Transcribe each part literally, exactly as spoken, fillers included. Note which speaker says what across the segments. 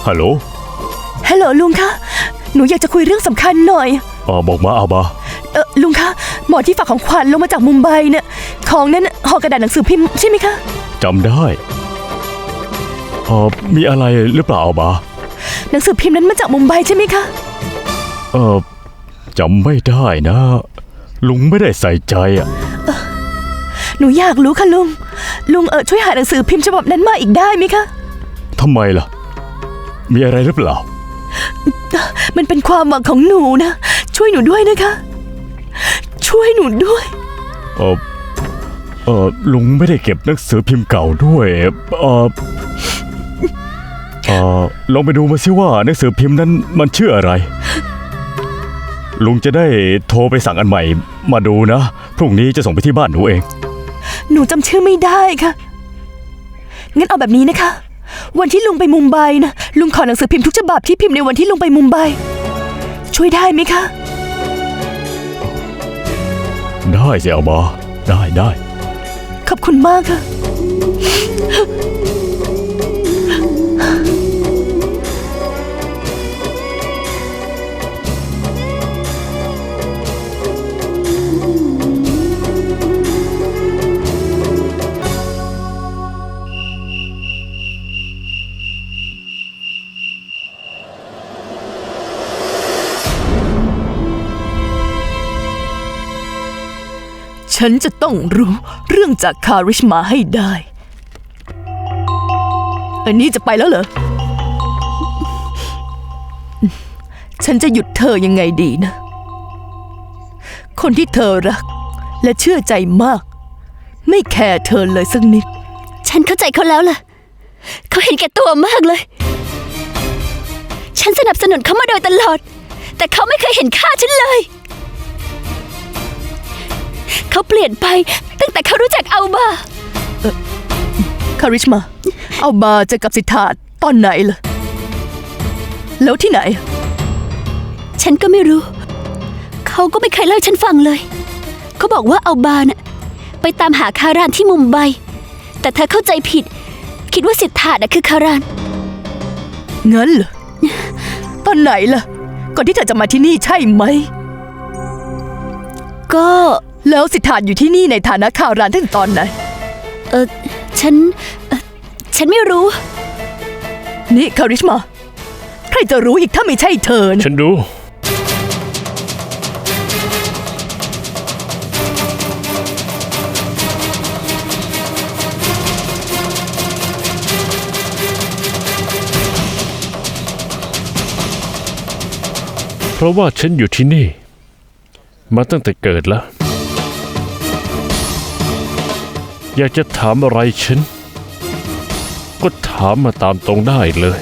Speaker 1: ฮัลโหล
Speaker 2: ฮัลโหลลุงคะหนูอยากจะคุยเรื่องสำคัญหน่อย
Speaker 1: อ๋อบอกมาเอาบา
Speaker 2: เออลุงคะหมอที่ฝากของขวัญลงมาจากมุมไบเนี่ยของนั้นห่อกระดาษหนังสือพิมพ์ใช่ไหมคะ
Speaker 1: จำได้อ๋อมีอะไรหรือเปล่าเอาบา
Speaker 2: หนังสือพิมพ์นั้นมาจากมุมไบใช่ไหมคะ
Speaker 1: เออจำไม่ได้นะลุงไม่ได้ใส่ใจอ่ะ
Speaker 2: หนูอยากรู้ค่ะลุงลุงเออช่วยหาหนังสือพิมพ์ฉบับนั้นมาอีกได้ไหมคะ
Speaker 1: ทำไมล่ะมีอะไรหรือเปล่า
Speaker 2: มันเป็นความหวังของหนูนะช่วยหนูด้วยนะคะช่วยหนูด้วย
Speaker 1: เออเออลุงไม่ได้เก็บหนังสือพิมพ์เก่าด้วยเออเออลองไปดูมาสิว่าหนังสือพิมพ์นั้นมันชื่ออะไรลุงจะได้โทรไปสั่งอันใหม่มาดูนะพรุ่งนี้จะส่งไปที่บ้านหนูเอง
Speaker 2: หนูจำชื่อไม่ได้ค่ะงั้นเอาแบบนี้นะคะวันที่ลุงไปมุมไบนะลุงขอหนังสือพิมพ์ทุกฉบับที่พิมพ์ในวันที่ลุงไปมุมไบช่วยได้ไหมคะ
Speaker 1: ได้สิเอามาได้ได้
Speaker 2: ขอบคุณมากค่ะฉันจะต้องรู้เรื่องจากคาริชมาให้ได้อันนี้จะไปแล้วเหรอฉันจะหยุดเธอยังไงดีนะคนที่เธอรักและเชื่อใจมากไม่แคร์เธอเลยสักนิด
Speaker 3: ฉันเข้าใจเขาแล้วล่ะเขาเห็นแก่ตัวมากเลยฉันสนับสนุนเขามาโดยตลอดแต่เขาไม่เคยเห็นค่าฉันเลยเขาเปลี่ยนไปตั้งแต่เขารู้จักอัลบา
Speaker 2: เออคาริชมาอัลบาจะกับสิทธาตอนไหนล่ะแล้วที่ไหน
Speaker 3: ฉันก็ไม่รู้เขาก็ไม่เคยเล่าฉันฟังเลยเขาบอกว่าอัลบาน่ะไปตามหาคารานที่มุมไบแต่เธอเข้าใจผิดคิดว่าสิทธาน่ะคือคาราน
Speaker 2: งั้นเหรอตอนไหนล่ะก่อนที่เธอจะมาที่นี่ใช่ไหม
Speaker 3: ก็
Speaker 2: แล้วสิทธาอยู่ที่นี่ในฐานะคารานตั้งแต่ตอนไหน
Speaker 3: เออฉันเออฉันไม่รู้
Speaker 2: นี่คาริชมาใครจะรู้อีกถ้าไม่ใช่เธอนะ
Speaker 1: ฉันดูเพราะว่าฉันอยู่ที่นี่มาตั้งแต่เกิดแล้วอยากจะถามอะไรฉันก็ถามมาตามตรงได้เลย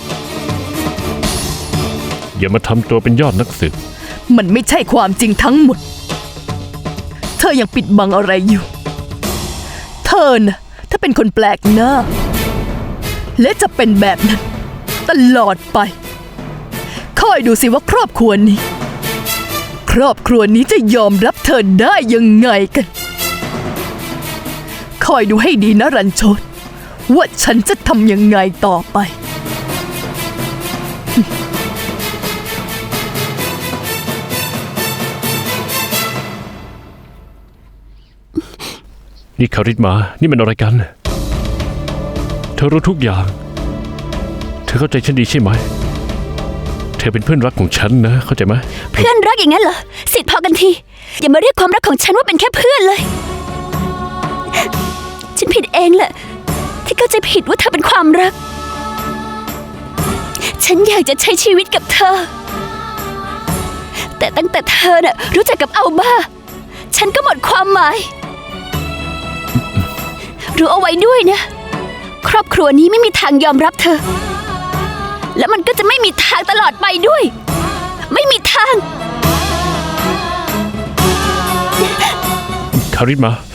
Speaker 1: อย่ามาทำตัวเป็นยอดนักสืบ
Speaker 2: มันไม่ใช่ความจริงทั้งหมดเธอยังปิดบังอะไรอยู่เธอน่ะถ้าเป็นคนแปลกหน้าและจะเป็นแบบนั้นตลอดไปคอยดูสิว่าครอบครัวนี้ครอบครัวนี้จะยอมรับเธอได้ยังไงกันคอยดูให้ดีนะรันโชตว่าฉันจะทำยังไงต่อไป
Speaker 1: นี่คาริชมานี่มันอะไรกันเธอรู้ทุกอย่างเธอเข้าใจฉันดีใช่ไหมเธอเป็นเพื่อนรักของฉันนะเข้าใจไหม
Speaker 3: เพื่อนรักอย่างนั้นเหรอสิทธิ์พอกันทีอย่ามาเรียกความรักของฉันว่าเป็นแค่เพื่อนเลยฉันผิดเองแหละที่เข้าใจผิดว่าเธอเป็นความรักฉันอยากจะใช้ชีวิตกับเธอแต่ตั้งแต่เธอน่ะรู้จักกับอัลบาฉันก็หมดความหมายรู้เอาไว้ด้วยนะครอบครัวนี้ไม่มีทางยอมรับเธอและมันก็จะไม่มีทางตลอดไปด้วยไม่มีทาง
Speaker 1: คาริชมา